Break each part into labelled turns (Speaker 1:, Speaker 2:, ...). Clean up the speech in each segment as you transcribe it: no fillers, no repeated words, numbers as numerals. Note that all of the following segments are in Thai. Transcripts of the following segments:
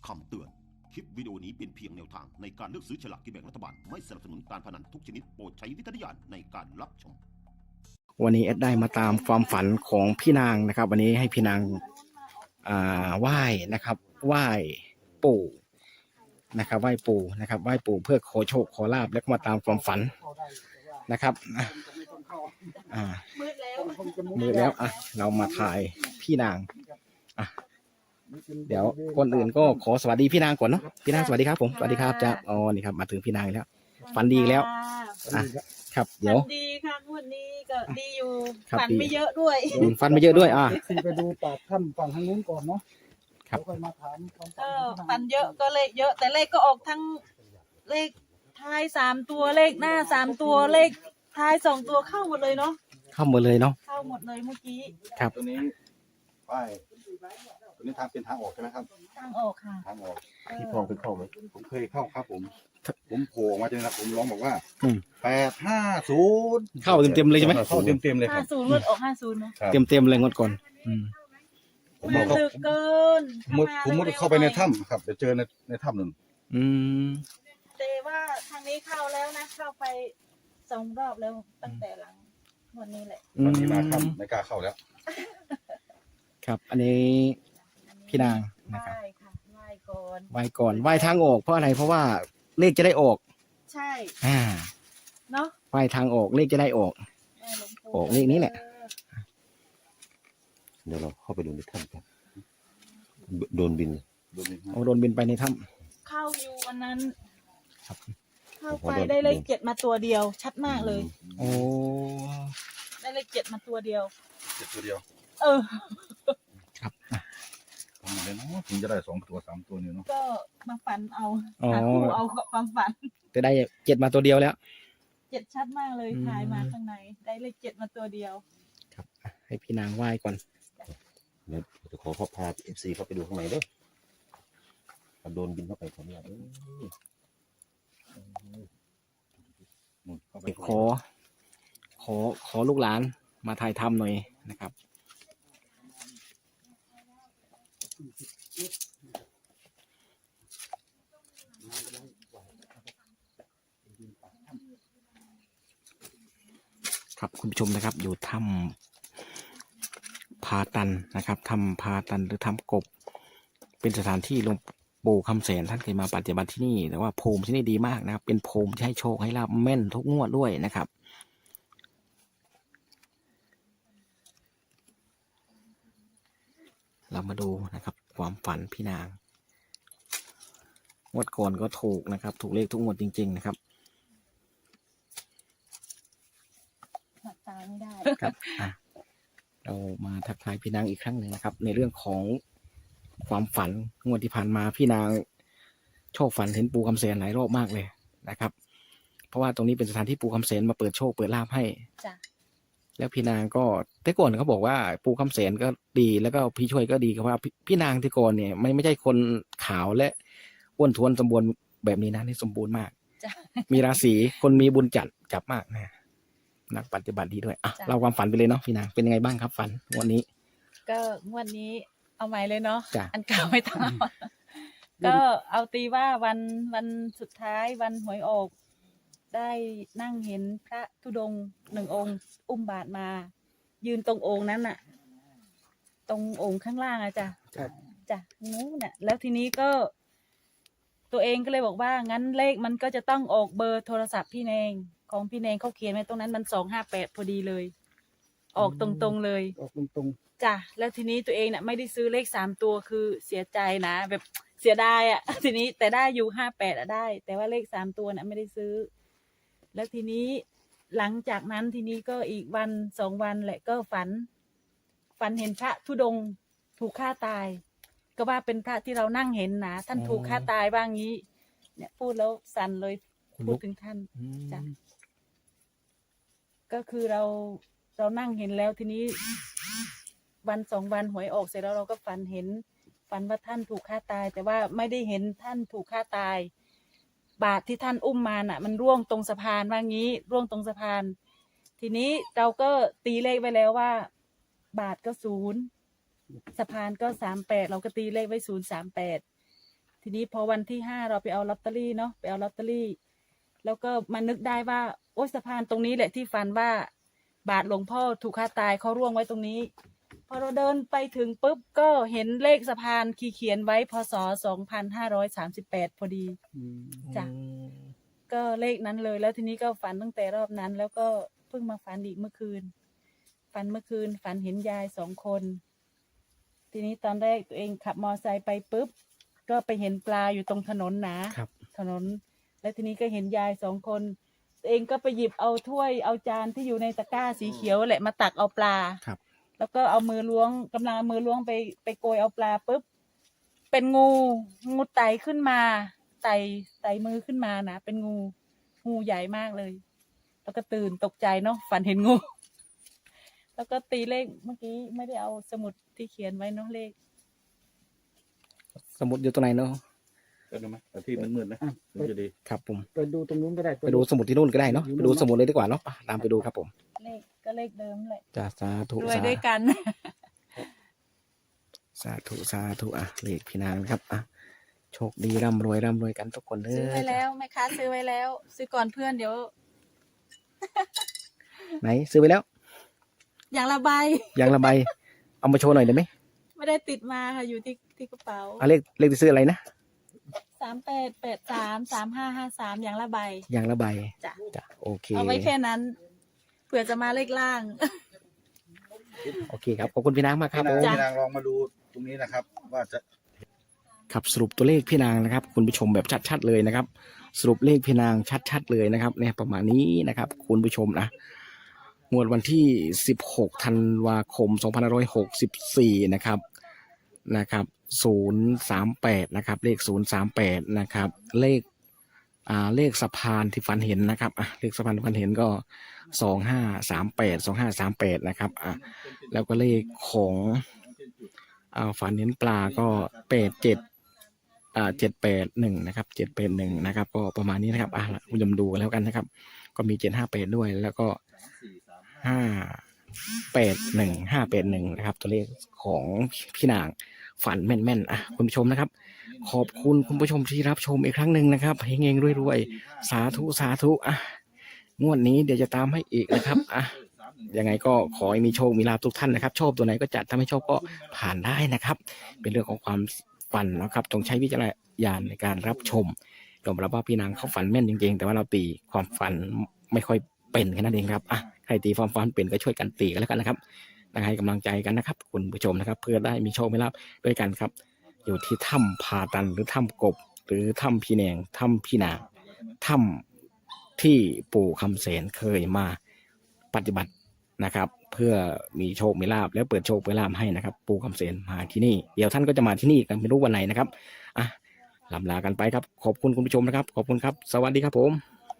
Speaker 1: คำเตือน คลิปวิดีโอนี้เป็นเพียงแนวทางในการเลือกซื้อฉลากกินแบ่งรัฐบาล ไม่สนับสนุนการพนันทุกชนิดโปรดใช้วิจารณญาณในการรับชม
Speaker 2: วันนี้แอดได้มาตามความฝันของพี่นางนะครับ วันนี้ให้พี่นางไหว้นะครับไหว้ปู่นะครับไหว้ปู่นะครับไหว้ปู่เพื่อขอโชคขอลาบแล้วก็มาตามความฝันนะครับมืดแล้วเรามาถ่ายพี่นางเดี๋ยวคนอื่นก็ขอสวัสดีพี่นางก่อนเนาะพี่นางสวัสดีครับผมสวัสดีครับจ้าอ๋อนี่ครับมาถึงพี่นางแล้วฝันดีแล้วครับเดี๋ยว
Speaker 3: ดีค่ะวันนี้ก็ดีอยู่
Speaker 2: ฝั
Speaker 3: ฝันไม่เยอะด้วย
Speaker 2: ฝันไม่เยอะด้วย
Speaker 4: ซีไปดูปากถ้ำฝั่งทางนู้นก่อนเนาะครับค่อยมาถาม
Speaker 3: ก็ฝันเยอะก็เลขเยอะ แต่เลขก็ออกทั้งเลขท้าย3 ตัวเลขหน้า3 ตัวเลขท้าย2 ตัวเข้าหมดเลยเนาะ
Speaker 2: เข้าหมดเลยเนาะ
Speaker 3: เข้าหมดเลยเมื่อกี้
Speaker 2: ครับ
Speaker 4: ตัวนี้ป้ายตัวนี้ทางเป็นทางออกใช่ไหมครับ
Speaker 3: ทางออกค่ะ
Speaker 4: ทางออกที่คลองเป็นเข้าไหมผมเคยเข้าครับผมโผล่มาจนนะผมร้องบอกว่า850
Speaker 2: เข้าเต็มเลยใช่ไหม
Speaker 4: เข้าเต็มเลยครับ
Speaker 3: 50งวดออก50เนาะ
Speaker 2: เต็มเลยงวดก่อน
Speaker 4: ผมบอก
Speaker 3: ตึกเกิน
Speaker 4: ผมมุดเข้าไปในถ้ำครับไปเจอในถ้ำหนึ่ง
Speaker 3: แต่ว่าทางนี้เข้าแล้วนะเข้าไป2 รอบแล้วตั้งแต่หลังวันนี้แหละ
Speaker 4: วันนี้มาถ้ำไม่กล้าเข้าแล้ว
Speaker 2: ครับอันนี้พี่นางนะครับ
Speaker 3: ไหว้ค่ะไหว้ก่อน
Speaker 2: ไหว้ทางออกเพราะอะไรเพราะว่าเลขจะได้ออก
Speaker 3: ใช่
Speaker 2: เนาะไหว้ทางออกเลขจะได้ออกเลขนี้แหละ
Speaker 1: เดี๋ยวเราเข้าไปดูในถ้ำกันโดนบิน
Speaker 2: ไปในถ้
Speaker 3: ำเข้าอยู่วันนั้นเข้าไปได้เลข7มาตัวเดียวชัดมากเลย
Speaker 2: โอ้
Speaker 3: ได้เลข7มาตัวเดียว
Speaker 4: ตัวเดียว
Speaker 2: ครับ
Speaker 4: ทำไมเนาะถึงจะได้2 ตัว 3 ตัวเนี่ยเนาะ
Speaker 3: ก็มาฝันเอาหาคู่เอาความฝัน
Speaker 2: จะได้7มาตัวเดียวแล้ว
Speaker 3: 7ชัดมากเลยถ่ายมาข้างในได้เลข7มาตัวเดียว
Speaker 2: ครับให้พี่นางไหว้ก่อน
Speaker 1: เดี๋ยวจะขอพา FC เข้าไปดูข้างในด้วยโดนบินเข้าไปเขาเนี่ย
Speaker 2: ขอลูกหลานมาถ่ายทำหน่อยนะครับครับคุณผู้ชมนะครับอยู่ถ้ำพาตันนะครับถ้ำพาตันหรือถ้ำกบเป็นสถานที่หลวงปู่คำแสนท่านเคยมาปฏิบัติที่นี่แต่ว่าภูมิที่นี่ดีมากนะครับเป็นภูมิที่ให้โชคให้ลาภแม่นทุกงวดด้วยนะครับเรามาดูนะครับความฝันพี่นางงวดก่อนก็ถูกนะครับถูกเลขทุกงวดจริงๆนะครับ
Speaker 3: หลับตาไม่ได้
Speaker 2: ครับเรามาทักทายพี่นางอีกครั้งหนึ่งนะครับในเรื่องของความฝันงวดที่ผ่านมาพี่นางโชคฝันเห็นปู่คำแสนหลายรอบมากเลยนะครับเพราะว่าตรงนี้เป็นสถานที่ปู่คำแสนมาเปิดโชคเปิดลาภให้
Speaker 3: จ้ะ
Speaker 2: แล้วพี่นางก็แต่ก่อนเขาบอกว่าปู่คำแสนก็ดีแล้วก็พี่ช่วยก็ดีครับว่าพี่นางที่ก่อนเนี่ยไม่ใช่คนขาวและอ้วนท้วนสมบูรณ์แบบนี้นะนี่สมบูรณ์มากมีราศีคนมีบุญจับมากนะนักปฏิบัติดีด้วยเราความฝันไปเลยเนาะพี่นางเป็นยังไงบ้างครับฝันวันนี้
Speaker 3: ก็วันนี้เอาใหม่เลยเนาะอันเก่าไม่ต้องก็เอาตีว่าวันสุดท้ายวันหวยออกได้นั่งเห็นพระธุดงค์1 องค์อุ้มบาตรมายืนตรงองค์นั้นน่ะตรงองค์ข้างล่างจ้ะนู้นน่ะแล้วทีนี้ก็ตัวเองก็เลยบอกว่างั้นเลขมันก็จะต้องออกเบอร์โทรศัพท์พี่เนงของพี่เนงเขาเขียนไว้ตรงนั้นมัน258พอดีเลยออกตรงๆเลย
Speaker 4: ออกตรง
Speaker 3: จ้ะแล้วทีนี้ตัวเองน่ะไม่ได้ซื้อเลข3 ตัวคือเสียใจนะแบบเสียดายทีนี้แต่ได้อยู่58ได้แต่ว่าเลข3 ตัวน่ะไม่ได้ซื้อแล้วทีนี้หลังจากนั้นทีนี้ก็อีกวัน2 วันแหละก็ฝันเห็นพระธุดงค์ถูกฆ่าตายก็ว่าเป็นพระที่เรานั่งเห็นนะท่านถูกฆ่าตายบ้างงี้เนี่ยพูดแล้วสั่นเลยพูดถึงท่านจ้ะก็คือเรานั่งเห็นแล้วทีนี้วัน2 วันหวยออกเสร็จแล้วเราก็ฝันว่าท่านถูกฆ่าตายแต่ว่าไม่ได้เห็นท่านถูกฆ่าตายบาตรที่ท่านอุ้มมาน่ะมันร่วงตรงสะพานว่างี้ร่วงตรงสะพานทีนี้เราก็ตีเลขไว้แล้วว่าบาตรก็0สะพานก็38เราก็ตีเลขไว้038 ทีนี้พอวันที่5เราไปเอาลอตเตอรี่เนาะไปเอาลอตเตอรี่แล้วก็มานึกได้ว่าโอ๊ยสะพานตรงนี้แหละที่ฝันว่าบาทหลวงพ่อถูกฆ่าตายเขาร่วงไว้ตรงนี้พอเราเดินไปถึงปุ๊บก็เห็นเลขสะพานเขียนไว้พศ2538พอดีจ้ะก็เลขนั้นเลยแล้วทีนี้ก็ฝันตั้งแต่รอบนั้นแล้วก็เพิ่งมาฝันอีกเมื่อคืนฝันเห็นยาย2 คนทีนี้ตอนแรกตัวเองขับมอไซค์ไปปุ๊บก็ไปเห็นปลาอยู่ตรงถนนถนนแล้วทีนี้ก็เห็นยาย2 คนตัวเองก็ไปหยิบเอาถ้วยเอาจานที่อยู่ในตะกร้าสีเขียวแหละมาตักเอาปลาแล้วก็เอามือล้วงกำลังเอามือล้วงไปโกยเอาปลาปุ๊บเป็นงูไต่ขึ้นมาไต่มือขึ้นมานะเป็นงูใหญ่มากเลยแล้วก็ตื่นตกใจเนาะฝันเห็นงูแล้วก็ตีเลขเมื่อกี้ไม่ได้เอาสมุดที่เขียนไว้เนาะเลข
Speaker 2: สมุดอยู่ตรงไหนเนาะ
Speaker 4: ก็ดูไหมแต่ที่มันมืดนะมันจะดี
Speaker 2: ครับผม
Speaker 5: ไปดูตรงนู้นก็ได้
Speaker 2: ไปดูสมุดที่นู่นก็ได้เนาะไปดูสมุดเลยดีกว่าเนาะตามไปดูครับผม
Speaker 3: เลขก็เลขเดิมแหละ
Speaker 2: จ้าสาธุ
Speaker 3: รวยด้วยกัน
Speaker 2: สาธุอ่ะเลขพี่นางครับอ่ะโชคดีร่ำรวยกันทุกคนเลย
Speaker 3: ซื้อไว้แล้วแม่ค้าซื้อไว้แล้วซื้อก่อนเพื่อนเดี๋ยว
Speaker 2: ไหนซื้อไปแล้ว
Speaker 3: อย่างละใบ
Speaker 2: เอามาโชว์หน่อยได้ไหม
Speaker 3: ไม่ได้ติดมาค่ะอยู่ที่กระเป๋า
Speaker 2: เลขที่ซื้ออะไรนะ
Speaker 3: 3883 3553อย่างละใบ
Speaker 2: จ้ะโอเค
Speaker 3: เอาไว้แค่นั้นเผื่อจะมาเลขล่าง
Speaker 2: โอเคครับขอบคุณพี่นางมากครับ
Speaker 4: พี่นางลองมาดูตรงนี้นะครับว่าจะ
Speaker 2: ครับสรุปตัวเลขพี่นางนะครับคุณผู้ชมแบบชัดๆเลยนะครับสรุปเลขพี่นางชัดๆเลยนะครับเนี่ยประมาณนี้นะครับคุณผู้ชมนะงวดวันที่16ธันวาคม2564นะครับ038นะครับเลข038นะครับเลขสะพานที่ฝันเห็นนะครับเลขสะพานที่ฝันเห็นก็2538นะครับแล้วก็เลขของฝันเห็นปลาก็781นะครับ781นะครับก็ประมาณนี้นะครับคุณผู้ชมดูแล้วกันนะครับก็มี758ด้วยแล้วก็581นะครับตัวเลขของพี่นางฝันแม่นๆคุณผู้ชมนะครับขอบคุณคุณผู้ชมที่รับชมอีกครั้งหนึ่งนะครับเฮงๆรวยๆสาธุงวดนี้เดี๋ยวจะตามให้อีกนะครับยังไงก็ขอให้มีโชคมีลาภทุกท่านนะครับชอบตัวไหนก็จัดถ้าไม่ชอบก็ผ่านได้นะครับเป็นเรื่องของความฝันนะครับต้องใช้วิจารณญาณในการรับชมยอมรับว่าพี่นางเขาฝันแม่นจริงๆแต่ว่าเราตีความฝันไม่ค่อยเป็นแค่นั้นเองครับใครตีความฝันเป็นก็ช่วยกันตีกันแล้วกันนะครับให้กำลังใจกันนะครับคุณผู้ชมนะครับเพื่อได้มีโชคมีลาภด้วยกันครับอยู่ที่ถ้ำพาตันหรือถ้ำกบหรือถ้ำพี่แนงถ้ำพี่นางถ้ำที่ปู่คำเสนเคยมาปฏิบัตินะครับเพื่อมีโชคมีลาภแล้วเปิดโชคเปิดลาภให้นะครับปู่คำเสนมาที่นี่เดี๋ยวท่านก็จะมาที่นี่กันไม่รู้วันไหนนะครับลำลากันไปครับขอบคุณคุณผู้ชมนะครับขอบคุณครับสวัสดีครับผม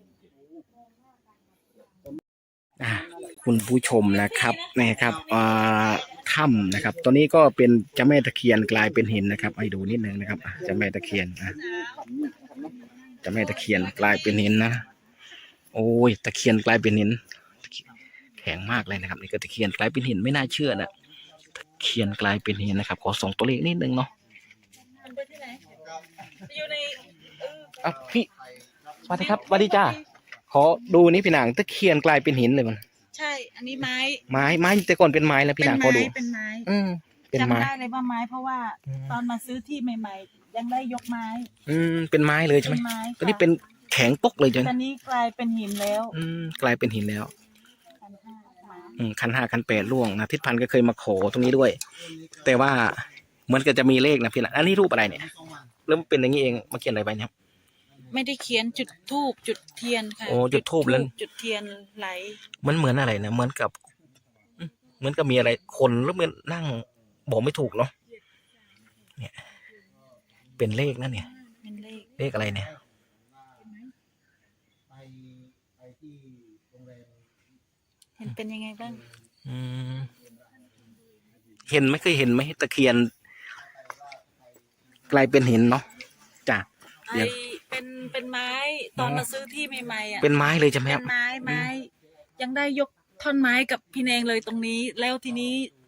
Speaker 2: คุณผู้ชมนะครับถ้ำนะครับตอนนี้ก็เป็นเจ้าแม่ตะเคียนกลายเป็นหินนะครับให้ดูนิดนึงนะครับเจ้าแม่ตะเคียนเจ้าแม่ตะเคียนกลายเป็นหินนะโอ้ยตะเคียนกลายเป็นหินแข็งมากเลยนะครับนี่ก็ตะเคียนกลายเป็นหินไม่น่าเชื่อนะตะเคียนกลายเป็นหินนะครับขอส่งตัวเลขนิดนึงเนาะ
Speaker 3: มันไปที่ไหนอยู่ใน
Speaker 2: พี่สวัสดีครับสวัสดีจ้าขอดูนี่พี่นางตะเคียนกลายเป็นหินเลยมัน
Speaker 3: ใช่อันนี้ไ
Speaker 2: ม้แต่ก่อนเป็นไม้แล้วพี่นางขอดู
Speaker 3: เป็นไม้
Speaker 2: เป็นไม้
Speaker 3: จำได้เลยว่าไม้เพราะว่าตอนมาซื้อที่ใหม่ๆยังได้ยกไม้
Speaker 2: เป็นไม้เลยใช่ไหมตอนนี้เป็นแข็งปกเลยจน
Speaker 3: ตอนนี้กลายเป็นหินแล้ว
Speaker 2: กลายเป็นหินแล้วคัน 5คัน 8ล่วงนะทิศพันธ์ก็เคยมาขอตรงนี้ด้วยแต่ว่าเหมือนกับจะมีเลขนะพี่นางอันนี้รูปอะไรเนี่ยเริ่มเป็นอย่างนี้เองมาเขียนอะไรไปครับ
Speaker 3: ไม่ได้เขียนจุดธูปจุดเทียนค่ะ
Speaker 2: โอ้จุดธูปแล้ว
Speaker 3: จุดเทียนไหล
Speaker 2: มันเหมือนอะไรนะเหมือนกับมีอะไรคนแล้วมันนั่งบอกไม่ถูกเนาะเนี่ยเป็นเลขนั่นเนี่ย
Speaker 3: เป็น
Speaker 2: เลขอะไรเนี่ย
Speaker 3: เห็นเป็นยังไงบ้าง
Speaker 2: เห็นไม่เคยเห็นไหมตะเคียนกลายเป็นหินเนาะจ้ะ
Speaker 3: เป็นไม้ตอนมาซื้อที่ใหม่ๆ
Speaker 2: เป็นไม้เลยใช่ไหมครับ
Speaker 3: เป็นไม้ยังได้ยกท่อนไม้กับพี่แนงเลยตรงนี้แล้วทีนี้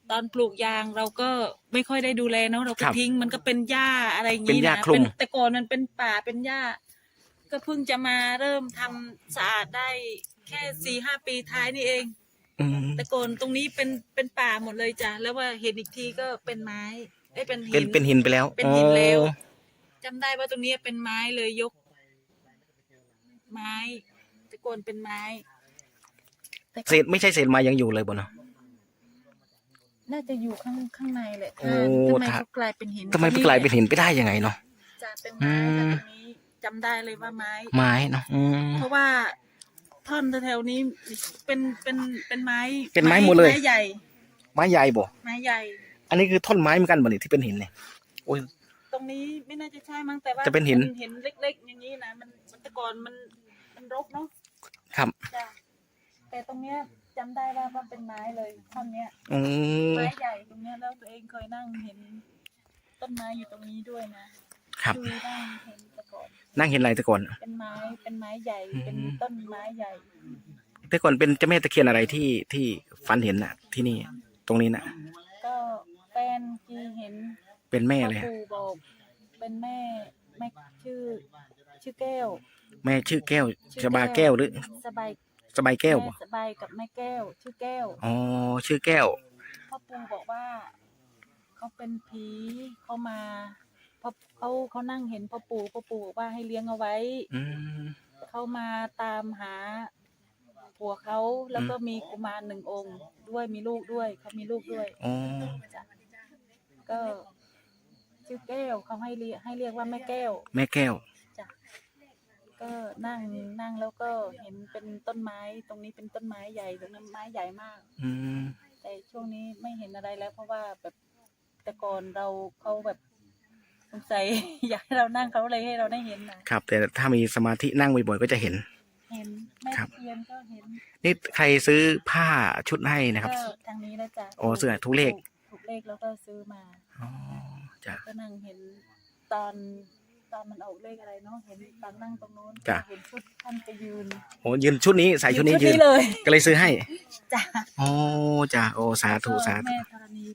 Speaker 3: ตอนปลูกยางเราก็ไม่ค่อยได้ดูแลเนาะเราก็ทิ้งมันก็เป็นหญ้าอะไรอย่าง
Speaker 2: เป็น
Speaker 3: นี้
Speaker 2: หญ้า
Speaker 3: นะ
Speaker 2: คลุม
Speaker 3: แต่ก่อนมันเป็นป่าเป็นหญ้า ก็เพิ่งจะมาเริ่มทำสะอาดได้แค่4-5 ปีท้ายนี่เอง
Speaker 2: อืม
Speaker 3: แต่ก่อนตรงนี้เป็นป่าหมดเลยจ้ะแล้วว่าเห็นอีกทีก็เป็นไม้เป็นหิ
Speaker 2: เป็นหินไปแล้ว
Speaker 3: เป็นหินแล้ว
Speaker 2: อ๋อ
Speaker 3: จำได้ว่าตรงนี้เป็นไม้เลยยก ไม้แต่ก่อนเป็นไม้
Speaker 2: เศษไม่ใช่เศษไม้ยังอยู่เลยบ่เนาะ
Speaker 3: น่าจะอยู่ข้างในแหละ
Speaker 2: โอ้
Speaker 3: ทำไมเขากลายเป็นหิน
Speaker 2: ทำไมมันกลายเป็นหินไปได้ยังไงเนาะ
Speaker 3: จะเป็นไม้แต่ตรงนี้จำได้เลยว่าไม้
Speaker 2: ไม้เนาะอืม
Speaker 3: เพราะว่าท่อนแถวๆนี้เป็นไม้
Speaker 2: เป็นไม้หมดเลย
Speaker 3: ไม้ใหญ่
Speaker 2: ไม้ใหญ่บ่
Speaker 3: ไม้ใหญ่
Speaker 2: อันนี้คือท่อนไม้เหมือนกันบ่นี่ที่เป็นหินเนี่ยโอ้ย
Speaker 3: ตรงนี้ไม่น่าจะใช่มั้งแต่ว่า
Speaker 2: จะเป็นหิน
Speaker 3: เห็นเล็กๆอย่างนี้นะมันแต่ก่อนมันรกเนาะ
Speaker 2: ครับ
Speaker 3: จ้ะแต่ตรงเนี้ยจำได้ว่าเป็นไม้เลยท่อนเนี้ย
Speaker 2: อืม
Speaker 3: ไม้ใหญ่ตรงเนี้ยแล้วตัวเองเคยนั่งเห็นต้นไม้อยู่ตรงนี้ด้วยนะครับ คือนั่งเห็นแต่ก่อน
Speaker 2: นั่งเห็นอะไรแต่ก่อน
Speaker 3: เป็นไม้ใหญ่
Speaker 2: อืม
Speaker 3: เป็นต้นไม้ใหญ่
Speaker 2: แต่ก่อนเป็นเจ้าแม่ตะเคียนอะไรที่ฝันเห็นน่ะ ที่นี่ตรงนี้น่ะ
Speaker 3: ก็แฟนที่เห็น
Speaker 2: เป็นแม่
Speaker 3: พ่อ
Speaker 2: เลยฮะ
Speaker 3: ปู่บอกเป็นแม่ชื่อแก้ว
Speaker 2: แม่ชื่อแก้ว
Speaker 3: ชื่อ
Speaker 2: ชบาแก้วหรือ
Speaker 3: สบาย
Speaker 2: สบายแก้วบ่
Speaker 3: ม่สบายกับแม่แก้ว ชื่อแก้ว
Speaker 2: อ๋อชื่อแก้ว
Speaker 3: พ่อปู่บอกว่าเขาเป็นผีเขามาพอเขานั่งเห็นพ่อปู่บอกว่าให้เลี้ยงเอาไว้
Speaker 2: อืม
Speaker 3: เขามาตามหาผัวเขาแล้วก็มีกุมาร1 องค์ด้วยมีลูกด้วยเขามีลูกด้วย
Speaker 2: อ๋อ
Speaker 3: จ้ะก็ชื่อแก้วเขาให้เรียกว่าแม่แก้ว
Speaker 2: แม่แก้ว
Speaker 3: จ้ะก็นั่งแล้วก็เห็นเป็นต้นไม้ตรงนี้เป็นต้นไม้ใหญ่ตรงนั้นไม้ใหญ่มาก
Speaker 2: อืม
Speaker 3: แต่ช่วงนี้ไม่เห็นอะไรแล้ว เพราะว่าแบบแต่ก่อนเขาแบบสงสัย อยากให้เรานั่งเขาเลยให้เราได้เห็นนะครับ
Speaker 2: แต่ถ้ามีสมาธินั่งบ่อยๆก็จะเห็น
Speaker 3: เห็นแม่
Speaker 2: ครับ
Speaker 3: เทียนก็เห็น
Speaker 2: นี่ใครซื้อผ้าชุดให้นะครับ
Speaker 3: ก็ทางนี้แล้วจ้ะ
Speaker 2: โอ้เสื้อทุกเลข
Speaker 3: ถูกเลขแล้วก็ซื้อมา
Speaker 2: อ๋อจ้ะ
Speaker 3: ก็นั่งเห็นตอนมันออกเลขอะไรเนาะเห็นตอนนั่งตรงโน้น
Speaker 2: จ้ะ
Speaker 3: เห็นชุดท่านไปยืน
Speaker 2: โอ้ยืนชุดนี้ใส่ชุดนี้ยืน
Speaker 3: เลย
Speaker 2: ก็เลยซื้อให้
Speaker 3: จ้ะ
Speaker 2: โอ้จ้ะโอ้สาธุสาธุ
Speaker 3: แม่ธร